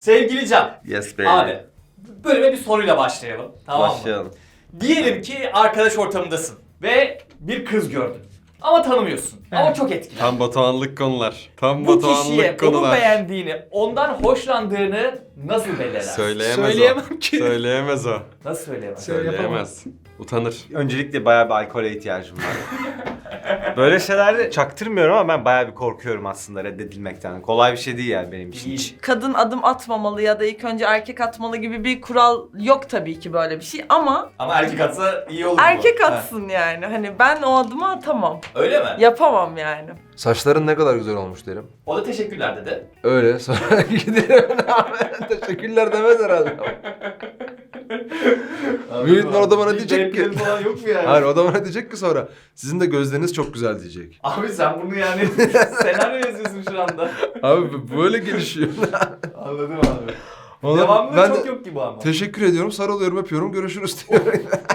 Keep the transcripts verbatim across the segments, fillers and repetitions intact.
Sevgili Can. Yes baby. Abi bölüme bir soruyla başlayalım. Tamam mı? Başlayalım. Diyelim ki arkadaş ortamındasın ve bir kız gördün. Ama tanımıyorsun. Evet. Ama çok etkili. Tam Batuhanlık konular. Tam Bu kişiye Batuhanlık onu konular. beğendiğini, ondan hoşlandığını nasıl belli edersin? Söyleyemez Söyleyemem o. ki. Söyleyemez o. Nasıl söyleyemez? Söyle- Söyleyemez. Utanır. Öncelikle bayağı bir alkole ihtiyacım var. Böyle şeylerde çaktırmıyorum ama ben bayağı bir korkuyorum aslında reddedilmekten. Kolay bir şey değil yani benim için. Değil. Kadın adım atmamalı ya da ilk önce erkek atmalı gibi bir kural yok tabii ki böyle bir şey ama Ama erkek atsa iyi olur mu? erkek Ha. atsın yani. Hani ben o adımı atamam. Öyle mi? Yapamam yani. Saçların ne kadar güzel olmuş derim. O da teşekkürler dedi. Öyle sonra giderim abi. Teşekkürler demez herhalde. Büyük ihtimal o da bana Bir diyecek ki- renkleri falan yok mu yani? Hayır o da bana diyecek ki sonra sizin de gözleriniz çok güzel diyecek. Abi sen bunu yani senaryo yazıyorsun şu anda. Abi bu böyle gelişiyor. Anladım abi. Ona- Devamlı ben çok de yok gibi ama. teşekkür ediyorum, sarılıyorum, öpüyorum, görüşürüz diyor.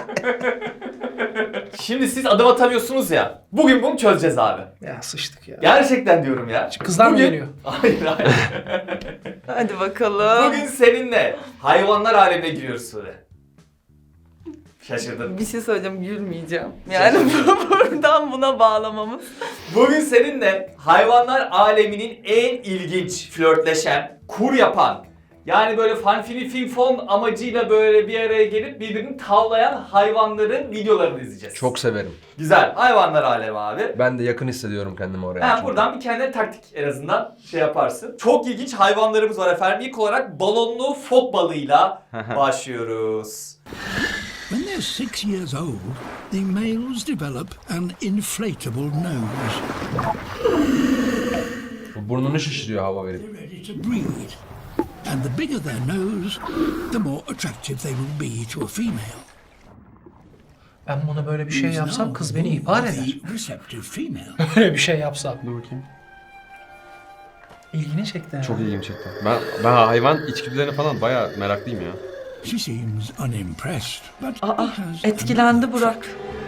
Şimdi siz adım atamıyorsunuz ya. Bugün bunu çözeceğiz abi. Ya sıçtık ya. Gerçekten diyorum ya. Kızlar mı Bugün- geliyor? Hayır hayır. Hadi bakalım. Bugün seninle hayvanlar alemine giriyoruz Sude. Şaşırdın. Bir şey söyleyeceğim, gülmeyeceğim. Yani buradan buna bağlamamız. Bugün seninle hayvanlar aleminin en ilginç, flörtleşen, kur yapan, yani böyle fanfini finfon amacıyla böyle bir araya gelip birbirini tavlayan hayvanların videolarını izleyeceğiz. Çok severim. güzel. Hayvanlar alemi abi. Ben de yakın hissediyorum kendimi oraya. Ha, çünkü. buradan bir kendine taktik en azından şey yaparsın. Çok ilginç hayvanlarımız var efendim. İlk olarak balonlu fok balığıyla başlıyoruz. When they're six years old, the males develop an inflatable nose. Bu burnunu şişiriyor hava verip. They're ready to breed. And the bigger their nose, the more attractive they will be to a female. Ben buna böyle bir şey yapsam kız beni ihbar eder. The receptive female. Böyle bir şey yapsam. Dur bakayım. İlgini çekti yani. Çok ilgimi çekti. Ben, ben hayvan içgüdülerine falan bayağı meraklıyım ya. She seems unimpressed, but Aa, has etkilendi Burak.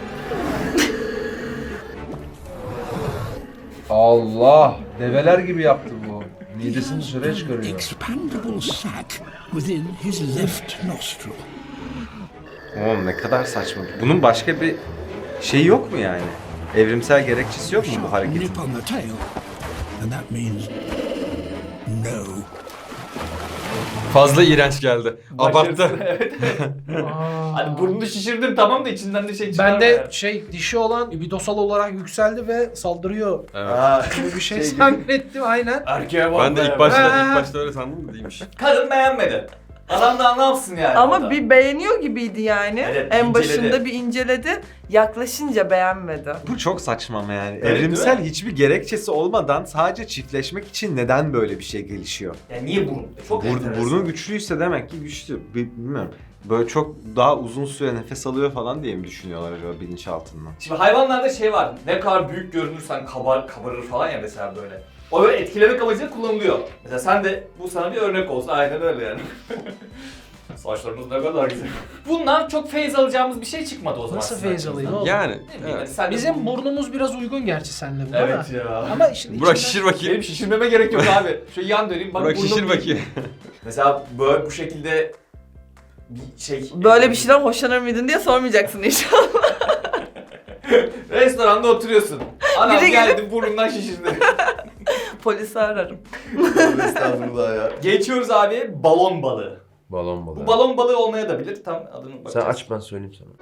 Allah! Develer gibi yaptı bu. Midesini dışarıya an çıkarıyor. expandable sac within his left nostril. Oğlum ne kadar saçma. Bunun başka bir şey yok mu yani? Evrimsel gerekçesi yok mu bu Sharp hareketin? nip on the tail, and that means no. Fazla iğrenç geldi. Abarttı. evet. Aa. Hani burnunu şişirdim tamam da içinden de şey çıkar. Ben de şey dişi olan ibidosal olarak yükseldi ve saldırıyor Evet. Ha, gibi bir şey Şey gibi. zannettim aynen. erkeğe bak Ben de be. ilk başta Ha. ilk başta öyle sandım da değilmiş. Kadın beğenmedi. Adam da ne yapsın yani Ama orada? bir beğeniyor gibiydi yani. Evet, en inceledi. başında bir inceledi. Yaklaşınca beğenmedi. Bu çok saçma ama yani. Evet, Evrimsel değil mi? hiçbir gerekçesi olmadan sadece çiftleşmek için neden böyle bir şey gelişiyor? Ya niye burun? Çok Bur enteresan. burnu güçlüyse demek ki güçlü. Bi- Bilmiyorum. Böyle çok daha uzun süre nefes alıyor falan diye mi düşünüyorlar acaba bilinçaltından? Şimdi hayvanlarda şey var. Ne kadar büyük görünürsen kabar, kabarır falan ya mesela böyle. O böyle etkilemek amacıyla kullanılıyor. Mesela sen de bu sana bir örnek olsun. Aynen öyle yani. Saçlarınız ne kadar güzel. Bundan çok feyiz alacağımız bir şey çıkmadı o zaman. Nasıl sizin feyiz alayım açınızdan. oğlum? Yani. Ne bileyim, Evet. hadi sen de Bizim bu- burnumuz biraz uygun gerçi seninle buna Evet da. ya. Ama işte Burak içinden- şişir bakayım. Benim şişirmeme gerek yok abi. Şu yan döneyim. Bak Burak burnum şişir değil. bakayım. Mesela böyle bu şekilde bir şey... Böyle bir şeyden hoşlanır mıydın diye sormayacaksın inşallah. Restoranda oturuyorsun. Adam Biri geldi burnundan şişirdi. Polisi ararım. Estağfurullah ya. Geçiyoruz abi balon balığı. Balon balığı. Bu balon balığı olmaya da bilir. Tam adını Sen bakacağız. aç ben söyleyeyim sana.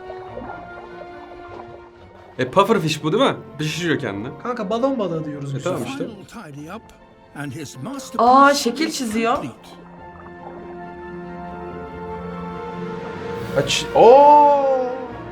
E pufferfish bu değil mi? Pişiriyor kendini. Kanka balon balığı diyoruz E biz. tamam işte. Final tidy up, and his masterpiece Aa, şekil çiziyor. complete. Aç. Oo!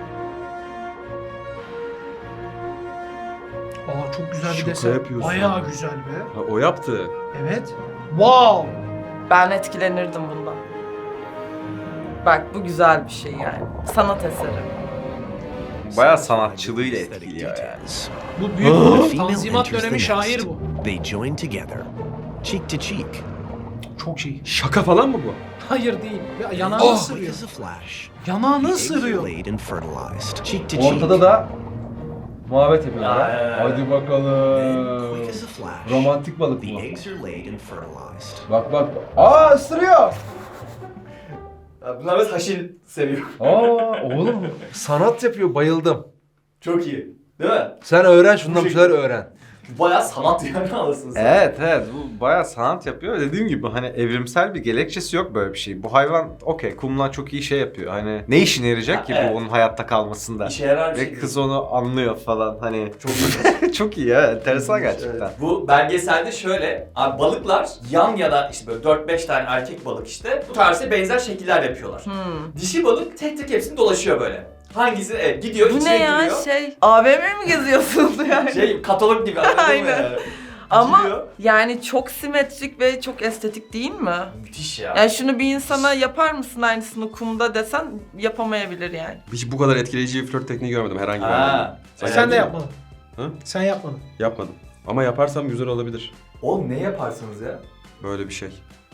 Aa çok güzel bir Şaka desen. yapıyorsun. Bayağı güzel be. Ha, o yaptı. Evet. Wow. Ben etkilenirdim bundan. Bak bu güzel bir şey yani. Sanat eseri. Bayağı sanatçılığıyla etkiliyor yani. Bu büyük The bir female tanzimat enters dönemi the şair nest. bu. They join together, cheek to cheek. Çok iyi. Şaka falan mı bu? Hayır değil. Ya, yanağını Quick ısırıyor. as a flash. Yanağını The eggs are ısırıyor. laid and fertilized, cheek to cheek. Ortada da Muhabbet yapıyorlar. Ya, ya, ya. Hadi Then, bakalım. quick as a flash, Romantik balık the mı? eggs are laid and fertilized. Bak bak. Aa ısırıyor. Ya bunlar biraz haşil seviyor. Aa oğlum sanat yapıyor, bayıldım. Çok iyi. Değil mi? Sen öğren şundan Bu bir şeyler öğren. Bayağı sanat yani alırsın sen. Evet evet bu bayağı sanat yapıyor. Dediğim gibi hani evrimsel bir gerekçesi yok böyle bir şey. Bu hayvan okey kumla çok iyi şey yapıyor. Hani ne işine yarayacak Ha, ki evet. bu onun hayatta kalmasında? İşe yarar bir Ve şey. kız onu anlıyor falan hani. Çok iyi. Çok iyi ya enteresan gerçekten. Evet. Bu belgeselde şöyle, abi balıklar yan ya da işte böyle dört beş tane erkek balık işte bu tarzda benzer şekiller yapıyorlar. Hmm. Dişi balık tek tek hepsini dolaşıyor böyle. Hangisi evet, gidiyor Bu içine ne ya giriyor. şey A V M mi geziyorsunuz yani? Şey katalog gibi anladın mı Aynen. yani? Ama Giriyor. yani çok simetrik ve çok estetik değil mi? Müthiş ya. Yani şunu bir insana yapar mısın aynısını kumda desen yapamayabilir yani. Hiç bu kadar etkileyici bir flört tekniği görmedim herhangi bir Ha. anlamda. Evet. Sen de yapmadın. Hı? Sen yapmadın. Yapmadım. Ama yaparsam güzel olabilir. Oğlum ne yaparsınız ya? Böyle bir şey.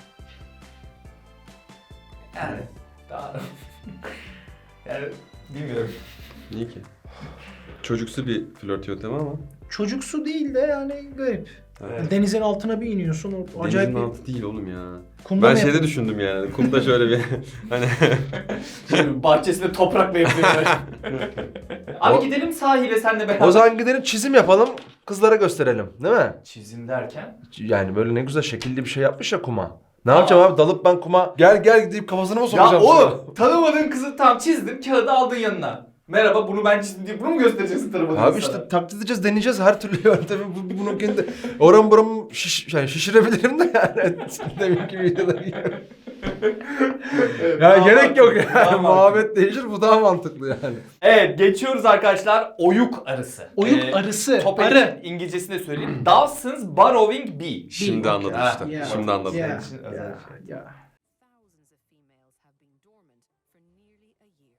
Yani daha... yani bilmiyorum. Niye ki? Çocuksu bir flört yöntemi ama. Çocuksu değil de yani garip. Evet. Denizin altına bir iniyorsun. O acayip Denizin bir... altı değil oğlum ya. Kumda Ben mı şeyde yapıyorsun? düşündüm yani. Kumda şöyle bir hani Şimdi bahçesinde toprakla yapıyorlar. Abi O- gidelim sahile senle beraber. O zaman gidelim çizim yapalım, kızlara gösterelim, değil mi? Çizim derken? Yani böyle ne güzel şekilli bir şey yapmış ya kuma. Ne yapacağım abi? Dalıp ben kuma gel gel deyip kafasına mı Ya sokacağım? oğlum tanımadığın kızı tam çizdim kağıdı aldın yanına. Merhaba bunu ben çizdim diye bunu mu göstereceksin tanımadığın Abi insana? işte taklit edeceğiz, deneyeceğiz her türlü yöntemi. Bu, bunu kendi oram buram şiş, yani şişirebilirim de yani. Demek ki videoda gibi. Evet, Ya daha gerek yok mantıklı, daha yani. mantıklı. Muhabbet değişir, bu daha mantıklı yani. Evet geçiyoruz arkadaşlar oyuk arısı. Oyuk Ee, arısı, Top arı. Edit'in İngilizcesini de söyleyeyim. Dawson's Burrowing Bee. şimdi anladım Ha, işte. yeah. Şimdi anladım. Yeah, için özel yeah, şey. yeah. Thousands of females have been dormant for nearly a year.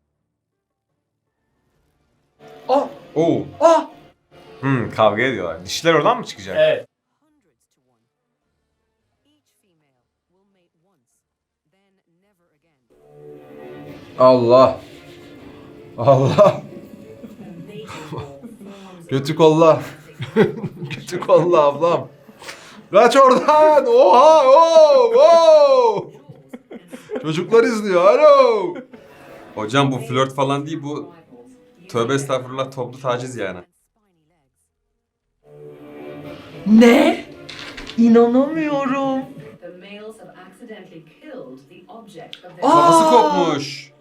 Ah! Oo. Ah! Hmm, kavga ediyorlar. Dişler oradan mı çıkacak? Evet. Hundreds to one. Each female will mate once, then never again. Allah. Allah. Kötü kolla. Kötü kolla ablam. Kaç oradan. Oha. Oh, oh. Çocuklar izliyor. Alo. Hocam bu flört falan değil bu. Tövbe estağfurullah toplu taciz yani. Ne? İnanamıyorum. The males have accidentally killed the object of their Kafası kopmuş.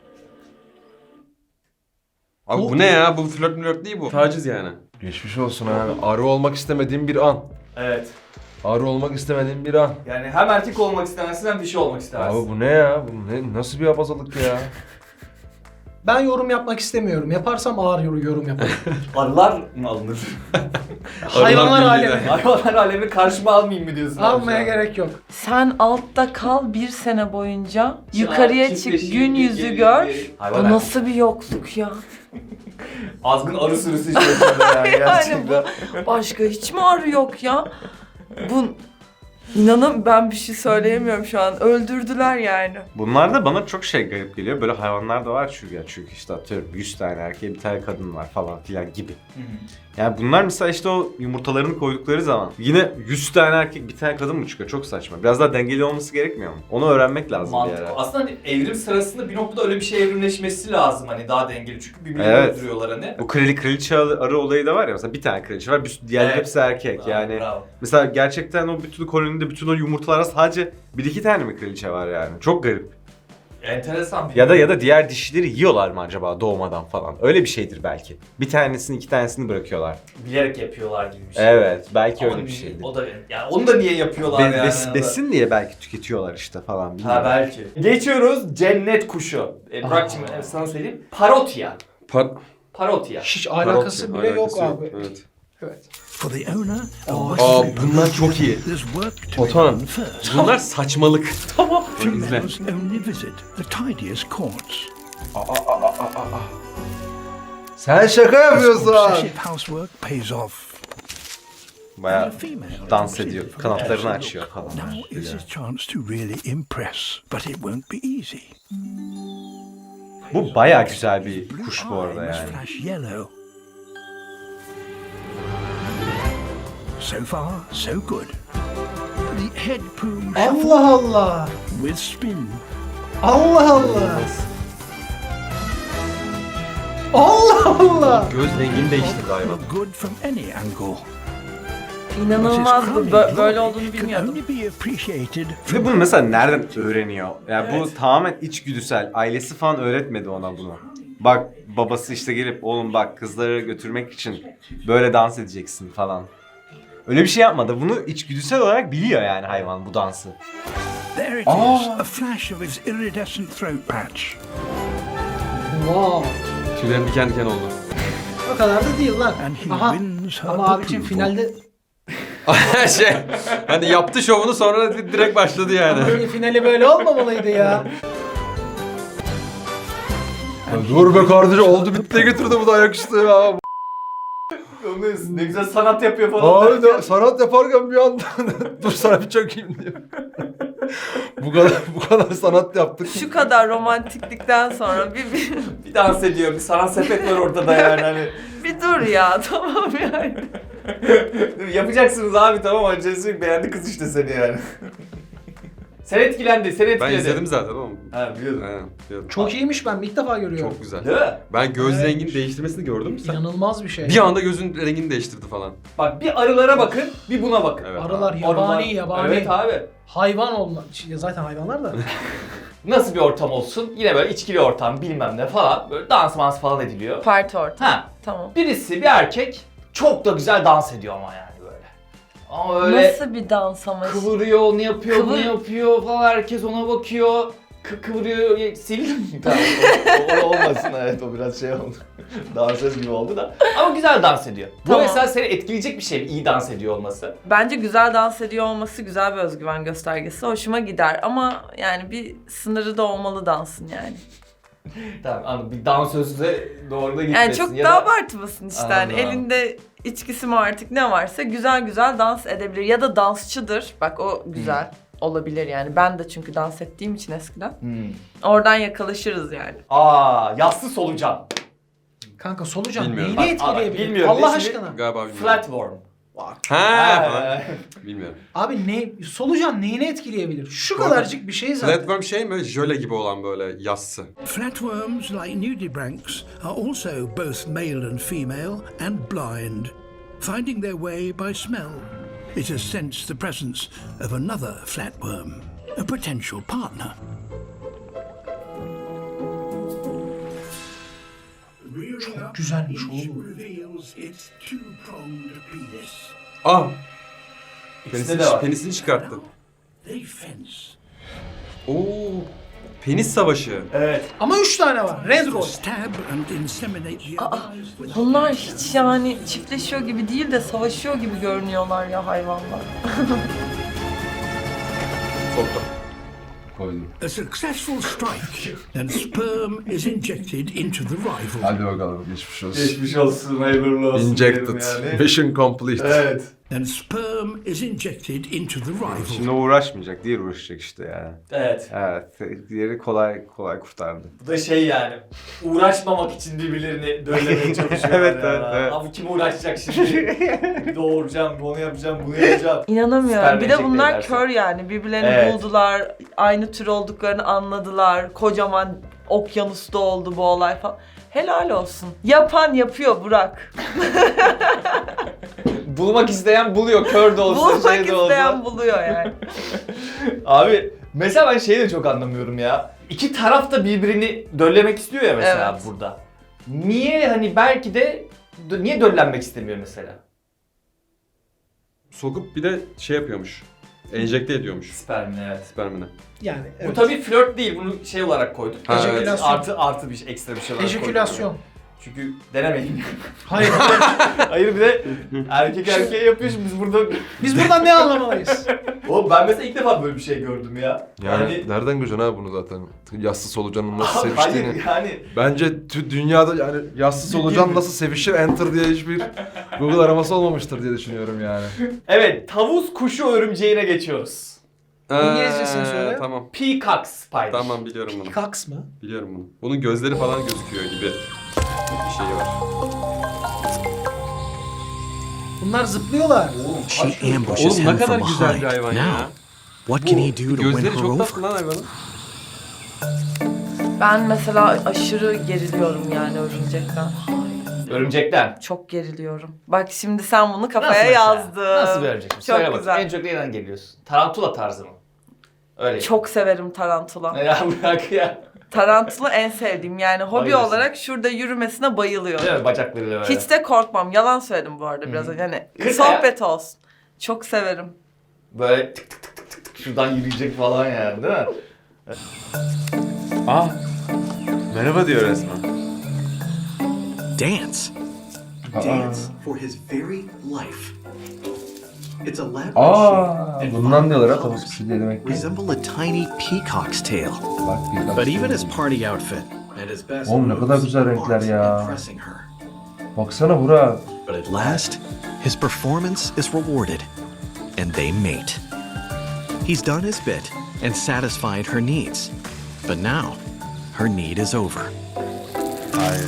Abi bu ne ya? Bu flört flört değil bu. Taciz yani. Geçmiş olsun abi. Arı olmak istemediğim bir an. Evet. Arı olmak istemediğim bir an. Yani hem erkek olmak istemezsin hem dişi olmak istemezsin. Abi bu ne ya? Bu ne, nasıl bir abazalık ya? Ben yorum yapmak istemiyorum. Yaparsam ağır yorum, yorum yaparım. Arılar mı alınır? Hayvanlar Arılar alemi. Hayvanlar alemini karşıma almayayım mı diyorsun? abi Almaya şu an? gerek yok. Sen altta kal bir sene boyunca. Yukarıya çık, Çiftleşir, gün yüzü geri- gör. geri- Bu Hayvan nasıl bir yokluk ya? azgın arı sürüsü içerisinde yani Yani gerçekten. bu başka hiç mi arı yok ya? Bu inanın ben bir şey söyleyemiyorum şu an. Öldürdüler yani. Bunlar da bana çok şey garip geliyor. Böyle hayvanlar da var çünkü ya. Çünkü işte atıyorum yüz tane erkeğe bir tane kadın var falan filan gibi. Yani bunlar mesela işte o yumurtalarını koydukları zaman yine yüz tane erkek bir tane kadın mı çıkıyor? Çok saçma. Biraz daha dengeli olması gerekmiyor mu? Onu öğrenmek lazım bir Mantıklı. ara. Aslında hani evrim sırasında bir noktada öyle bir şey evrimleşmesi lazım hani daha dengeli çünkü birbirlerini Evet. öldürüyorlar hani. Bu krali kraliçe arı olayı da var ya mesela bir tane kraliçe var, bir- diğerleri Evet. hepsi erkek Bravo, yani. bravo. Mesela gerçekten o bütün kolonide bütün o yumurtalara sadece bir iki tane mi kraliçe var yani? Çok garip. Enteresan bir Ya da ya da diğer dişileri yiyorlar mı acaba doğmadan falan? Öyle bir şeydir belki. Bir tanesini iki tanesini bırakıyorlar. bilerek yapıyorlar gibi bir şey. Evet, belki Ama öyle bir niye- şeydir. O da yani onu da niye yapıyorlar Be- yani? bes- ya da- besin diye belki tüketiyorlar işte falan. bilmiyorum. Ha belki. Geçiyoruz cennet kuşu. E, Burak'cığım e, sana söyleyeyim. Parotya. Par Parotya. Hiç alakası Parotya, bile yok alakası abi. Evet. Evet. For the owner, Aa bunlar çok iyi. there's work to be Otan. done first. Bunlar saçmalık. Tamam. İzle. Females only visit the tidiest courts. Sen şaka This yapıyorsun. obsessive housework pays off. Bayağı And the female dans considers ediyor, from kanatlarını that açıyor look. falan. Now is his chance to really impress, but it won't be easy. Bu bayağı güzel bir Blue kuş bu arada eye must yani. flash yellow. So far, so good. The head plume Allah Allah. with spin. Allah Allah. Allah Allah. Göz rengini değiştirdi hayvan. Look good from any angle. İnanılmaz bu. Bö- böyle olduğunu Can bilmiyordum. only be appreciated Ve bunu mesela nereden öğreniyor? Yani bu tamamen içgüdüsel. Ailesi falan öğretmedi ona bunu. Bak babası işte gelip oğlum bak kızları götürmek için böyle dans edeceksin falan. Öyle bir şey yapmadı. Bunu içgüdüsel olarak biliyor yani hayvan bu dansı. There it is, a flash of his iridescent throat patch. Wow. Tüylerim diken diken oldu. O kadar da değil lan. And he Aha. wins her Ama abicim approval. finalde şey, hani yaptı şovunu sonra direkt başladı yani. finali böyle olmamalıydı ya. Ya dur be kardeşim oldu bitti getirdi bu da ayaküstü ya. Ne güzel sanat yapıyor falan. Abi de sanat yaparken bir anda dur sana bir çökeyim diyor. bu kadar bu kadar sanat yaptık. Şu kadar romantiklikten sonra bir, bir, Bir dans ediyor, bir sanat sepet var ortada yani hani. bir dur ya tamam yani. Yapacaksınız abi tamam Angelina beğendi kız işte seni yani. Sen etkilendi, sen etkiledi. Ben izledim zaten oğlum. Ha biliyordum. Aynen, biliyordum. Çok iyiymiş, ben ilk defa görüyorum. Çok güzel. Değil mi? Ben göz Evet. rengini değiştirmesini gördüm. Sen İnanılmaz bir şey. bir anda gözün rengini değiştirdi falan. Bak bir arılara bakın, bir buna bakın. Evet. Arılar abi. yabani Arılar- yabani. Evet abi. Hayvan olma. Ya zaten hayvanlar da. Nasıl bir ortam olsun? Yine böyle içkili ortam bilmem ne falan. Böyle dans mans falan ediliyor. Parti ortam. Ha. Tamam. Birisi bir erkek çok da güzel dans ediyor ama yani böyle. Ama öyle Nasıl bir dans ama? kıvırıyor, onu yapıyor, bunu Kıvır- yapıyor falan herkes ona bakıyor. Kı kıvırıyor, ye- sildim mi? Tamam, o, o olmasın evet o biraz şey oldu. Dansöz gibi oldu da. Ama güzel dans ediyor. Bu Tamam. mesela seni etkileyecek bir şey mi? İyi dans ediyor olması. Bence güzel dans ediyor olması güzel bir özgüven göstergesi. Hoşuma gider ama yani bir sınırı da olmalı dansın yani. Tamam anladım. Bir dansözle doğru da gitmesin. Yani çok ya da da... abartmasın işte. Hani Anladım. elinde içkisi mi artık ne varsa güzel güzel dans edebilir. Ya da dansçıdır. Bak o güzel olabilir yani. Ben de çünkü dans ettiğim için eskiden. Hmm. Oradan yakalaşırız yani. Aa, yassı solucan. Kanka solucan Bilmiyorum. neyini Bak, bak, etkileyebilir? bilmiyorum. Allah Ne aşkına. Galiba bilmiyorum. Flatworm. Ha falan. Bilmiyorum. Abi ne solucan neyini etkileyebilir? Şu Bu arada kadarcık bir şey zaten. Flatworm şey mi? Jöle gibi olan böyle yassı. Flatworms, like nudibranchs, are also both male and female and blind. Finding their way by smell, it has sensed the presence of another flatworm, a potential partner. Çok güzelmiş oğlum. Reveals its two-pronged penis. Ah! İkisinde de Penisini, var. penisini çıkarttı. They fence. Oo! Penis savaşı. Evet. Ama üç tane var. Red Roll. Stab and inseminate the others with Bunlar hiç yani çiftleşiyor gibi değil de savaşıyor gibi görünüyorlar ya hayvanlar. Soktu. Koydum. a successful strike, and sperm is injected into the rival. Hadi bakalım geçmiş olsun. Geçmiş olsun, hayırlı olsun. diyelim Injected. yani. Mission complete. Evet. And sperm is injected into the rival. Şimdi o uğraşmayacak, diğer uğraşacak işte yani. Evet. Evet, diğeri kolay kolay kurtardı. Bu da şey yani, uğraşmamak için birbirlerini döllemeye çalışıyorlar Evet, yani. evet, evet. Abi kim uğraşacak şimdi? Doğuracağım, onu yapacağım, bunu yapacağım. İnanamıyorum. Sperm Bir de enjekte bunlar edersin. kör yani. Birbirlerini Evet. buldular. Aynı tür olduklarını anladılar. Kocaman okyanusta oldu bu olay falan. Helal olsun. Yapan yapıyor Burak. Bulmak isteyen buluyor, kör de olsa, Bulmak şey de olsa. isteyen buluyor yani. Abi mesela ben şeyi de çok anlamıyorum ya. İki taraf da birbirini döllemek istiyor ya mesela Evet. burada. Niye hani belki de niye döllenmek istemiyor mesela? Sokup bir de şey yapıyormuş. Enjekte ediyormuş Spermini evet. spermini. Yani Bu evet. tabii flört değil, bunu şey olarak koyduk. Ha, evet. Ejekülasyon. Artı artı bir şey, ekstra bir şey olarak koyduk. Ejekülasyon. Çünkü denemeyin. Hayır. Hayır bir de erkek erkeğe yapıyor şimdi biz burada... Biz buradan ne anlamalıyız? Oğlum ben mesela ilk defa böyle bir şey gördüm ya. Yani nereden göreceksin abi bunu zaten? Yassı solucanın nasıl Abi seviştiğini. hayır yani. Bence tü- dünyada yani yassı solucan nasıl sevişir enter diye hiçbir Google araması olmamıştır diye düşünüyorum yani. Evet, tavus kuşu örümceğine geçiyoruz. İngilizcesini Ee, söyle. Tamam. Peacock spider. Tamam biliyorum bunu. Kaks mı? Biliyorum bunu. Bunun gözleri falan gözüküyor gibi bir şey var. Bunlar zıplıyorlar. She ambushes Oğlum ne him kadar from güzel bir behind. hayvan ya. Now, what can he do to win Gözleri her çok over? tatlı lan hayvanın. Ben mesela aşırı geriliyorum yani örümcekten. Örümcekten. Çok geriliyorum. Bak şimdi sen bunu Nasıl kafaya mesela? yazdın. Nasıl bir örümcek? Çok Söyle bakayım. güzel. En çok neyden geliyorsun? Tarantula tarzı mı? Öyle. Çok severim tarantula. Ya bırak ya. Tarantula en sevdiğim yani hobi Bayılırsın. olarak şurada yürümesine bayılıyorum. Değil mi? Bacaklarıyla böyle. Hiç de korkmam. Yalan söyledim bu arada biraz Hı. önce. Hani Kırk sohbet olsun. Çok severim. Böyle tık tık tık tık tık şuradan yürüyecek falan yani değil mi? Aa. Merhaba diyor resmen. Dance. Dance for his very life. Its elaborate Aa, shape and bundan diyorlar ha vibrant tavuk colors pisi demek ki. resemble a tiny peacock's tail. Bak bir But even his party outfit and his best Oğlum ne kadar moves güzel renkler aren't ya. impressing her. Baksana Burak. But at last, his performance is rewarded, and they mate. He's done his bit and satisfied her needs. But now, her need is over. Hayır.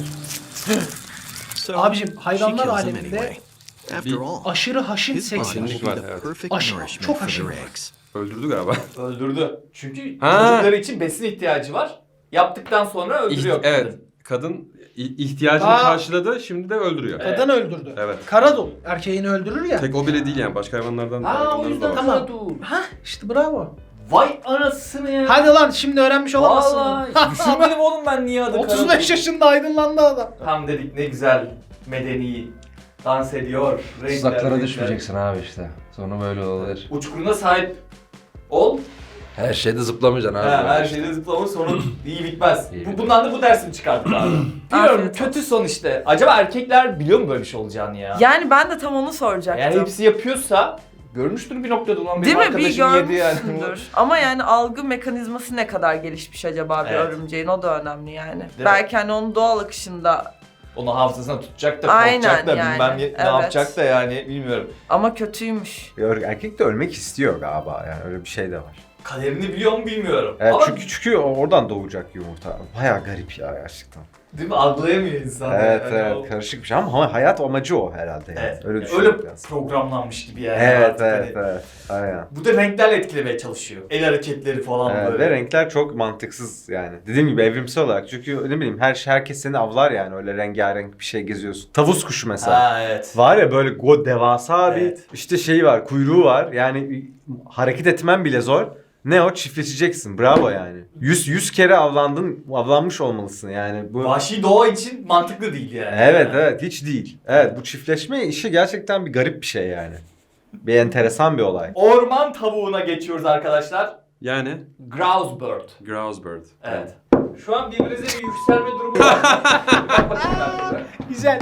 So, Abicim, she hayvanlar kills him aleminde anyway. After all, Aşırı haşin his body seks var. will be the Evet. perfect Aşırı- nourishment çok for aşırı their var. eggs. Öldürdü galiba. Öldürdü. Çünkü Ha. çocukları için besin ihtiyacı var. Yaptıktan sonra öldürüyor. İht- evet. Kadın i- ihtiyacını Aa. karşıladı, şimdi de öldürüyor. Evet. Kadın öldürdü. Evet. Karadul erkeğini öldürür ya. Tek o bile değil yani. Başka hayvanlardan Aa o hayvanlarımız da yüzden var. Tamam. Tamam. Ha işte bravo. Vay anasını ya. Hadi lan şimdi öğrenmiş olamazsın. Vallahi düşünmedim oğlum ben niye adı otuz beş Karadul. yaşında aydınlandı adam. Tam dedik ne güzel medeni dans ediyor. Renkler, Tuzaklara renkler. düşmeyeceksin abi işte. Sonra böyle olur. Uçkuruna sahip ol. Her şeyde zıplamayacaksın abi. Ha, her şeyde zıplama sonu iyi bitmez. İyi Bu, bitmez. bundan da bu dersimi çıkardık abi. Biliyorum Afiyet kötü son işte. Acaba erkekler biliyor mu böyle bir şey olacağını ya? Yani ben de tam onu soracaktım. Yani hepsi yapıyorsa görmüştür bir noktada ulan Değil benim mi? Bir arkadaşım yedi yani. görmüşsündür. Ama yani algı mekanizması ne kadar gelişmiş acaba bir Evet. örümceğin, o da önemli yani. mi? Belki hani onun doğal akışında Onu hafızasına tutacak da Aynen korkacak da yani, bilmem ne, evet. ne yapacak da yani bilmiyorum. ama kötüymüş. Erkek de ölmek istiyor galiba yani öyle bir şey de var. Kaderini biliyor mu bilmiyorum. Evet, Ama çünkü çünkü oradan doğacak yumurta. Bayağı garip ya gerçekten. değil mi? Algılayamıyor insan. Evet yani. evet O- karışık bir şey ama hayat amacı o herhalde yani. Evet. Öyle Öyle, düşünüyorum biraz. programlanmış gibi yani. Evet artık evet hani. evet. Aynen. Bu da renklerle etkilemeye çalışıyor. El hareketleri falan Evet, böyle. ve renkler çok mantıksız yani. Dediğim gibi evrimsel olarak çünkü ne bileyim her herkes seni avlar yani öyle rengarenk bir şey geziyorsun. Tavus kuşu mesela. Ha evet. Var ya böyle go devasa bir Evet. işte şeyi var, kuyruğu var. Yani hareket etmen bile zor. Ne o? Çiftleşeceksin. Bravo yani. yüz yüz kere avlandın, avlanmış olmalısın yani. Bu Vahşi doğa için mantıklı değil yani. Evet evet hiç değil. Evet bu çiftleşme işi gerçekten bir garip bir şey yani. Bir enteresan bir olay. Orman tavuğuna geçiyoruz arkadaşlar. Yani Grouse bird. grouse bird. Evet. Şu an birbirinize bir yükselme durumu var. Bak bakayım ben size. Güzel.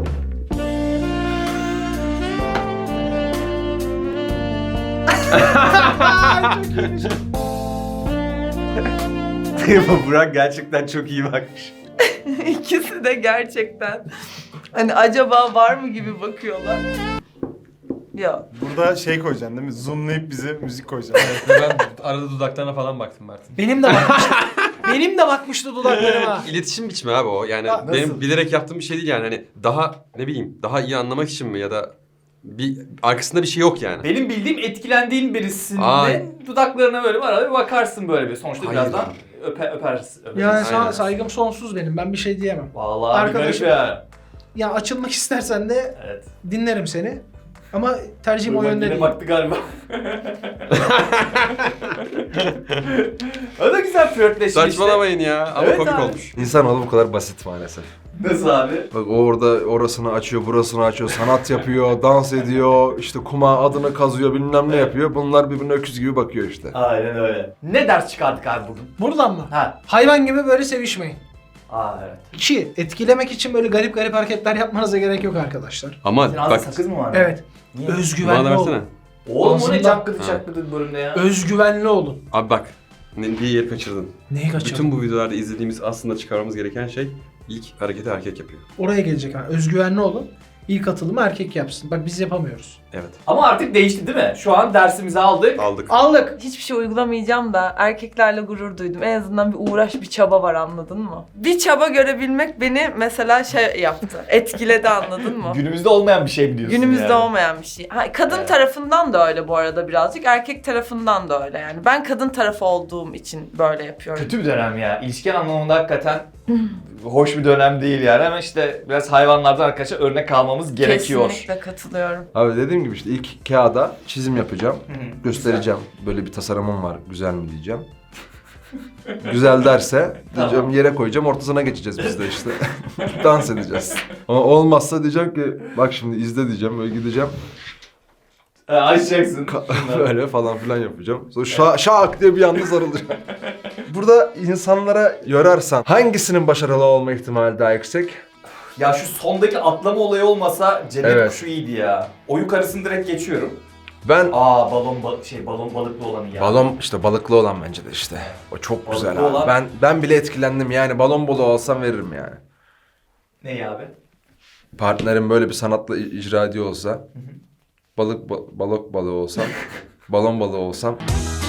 Burak gerçekten çok iyi bakmış. İkisi de gerçekten hani acaba var mı gibi bakıyorlar. Ya Burada şey koyacaksın değil mi? Zoomlayıp bize müzik koyacaksın. Ben arada dudaklarına falan baktım Mert'in. Benim de bakmıştı. Benim de bakmıştı dudaklarıma. İletişim biçimi abi o. Yani Ya, benim nasıl? bilerek yaptığım bir şey değil yani. Hani daha ne bileyim daha iyi anlamak için mi ya da bir arkasında bir şey yok yani. Benim bildiğim etkilendiğin birisinde Ay. dudaklarına böyle var bir bakarsın böyle bir. Sonuçta Hayır. birazdan öpe, öpersin. öpersin. Yani sana Aynen. saygım sonsuz benim. Ben bir şey diyemem. Vallahi Arkadaşım. bir garip ya. Ya açılmak istersen de Evet. dinlerim seni. Ama tercihim o Bak yönde yine değil. baktı galiba. O da güzel flörtleşmiş. Saçmalamayın ya. Ama Evet komik abi. olmuş. İnsanoğlu bu kadar basit maalesef. Nasıl abi? Bak o orada orasını açıyor, burasını açıyor, sanat yapıyor, dans ediyor, işte kuma adını kazıyor, bilmem ne yapıyor. Bunlar birbirine öküz gibi bakıyor işte. Aynen öyle. Ne ders çıkardık abi bugün? Buradan mı? Ha. Hayvan gibi böyle sevişmeyin. Aa evet. İki, etkilemek için böyle garip garip hareketler yapmanıza gerek yok arkadaşlar. Ama Senin ağzında bak sakız mı var? Evet. Niye? bana Özgüvenli da versene. olun. Oğlum o ne Ağzında- cakkıdı Ha. cakkıdı bölümde ya? Özgüvenli olun. Abi bak ne- bir yer kaçırdın. Neyi kaçırdın? Bütün bu videolarda izlediğimiz aslında çıkarmamız gereken şey ilk hareketi erkek yapıyor. Oraya gelecek ha. Özgüvenli olun. İlk atılımı erkek yapsın. Bak biz yapamıyoruz. Evet. Ama artık değişti değil mi? Şu an dersimizi aldık. Aldık. Aldık. Hiçbir şey uygulamayacağım da erkeklerle gurur duydum. En azından bir uğraş, bir çaba var, anladın mı? Bir çaba görebilmek beni mesela şey yaptı. Etkiledi, anladın mı? Günümüzde olmayan bir şey mi diyorsun Günümüzde yani? olmayan bir şey. Ha, kadın Evet. tarafından da öyle bu arada birazcık. Erkek tarafından da öyle yani. Ben kadın tarafı olduğum için böyle yapıyorum. Kötü bir dönem ya. İlişkin anlamında hakikaten hoş bir dönem değil yani. Ama işte biraz hayvanlardan arkadaşlar örnek almamız gerekiyor. Kesinlikle katılıyorum. Abi dediğim gibi işte ilk kağıda çizim yapacağım. Hı hı, Göstereceğim. Böyle bir tasarımım var. Güzel mi diyeceğim. Güzel derse diyeceğim Tamam. yere koyacağım. Ortasına geçeceğiz biz de işte. Dans edeceğiz. Ama olmazsa diyeceğim ki bak şimdi izle diyeceğim. Böyle gideceğim. E, açacaksın. Ka- böyle falan filan yapacağım. Sonra şa- şak diye bir anda sarılacağım. Burada insanlara yorarsan hangisinin başarılı olma ihtimali daha yüksek? Ya şu sondaki atlama olayı olmasa cennet Evet. kuşu iyiydi ya. O yukarısını direkt geçiyorum. Ben Aa balon ba- şey balon balıklı olanı ya. balon işte balıklı olan bence de işte. O çok Balıklı güzel abi. olan- Ben ben bile etkilendim yani balon balığı olsam veririm yani. Ne abi? Partnerim böyle bir sanatla i- icra ediyor olsa, balık ba- balık balığı olsam, balon balığı olsam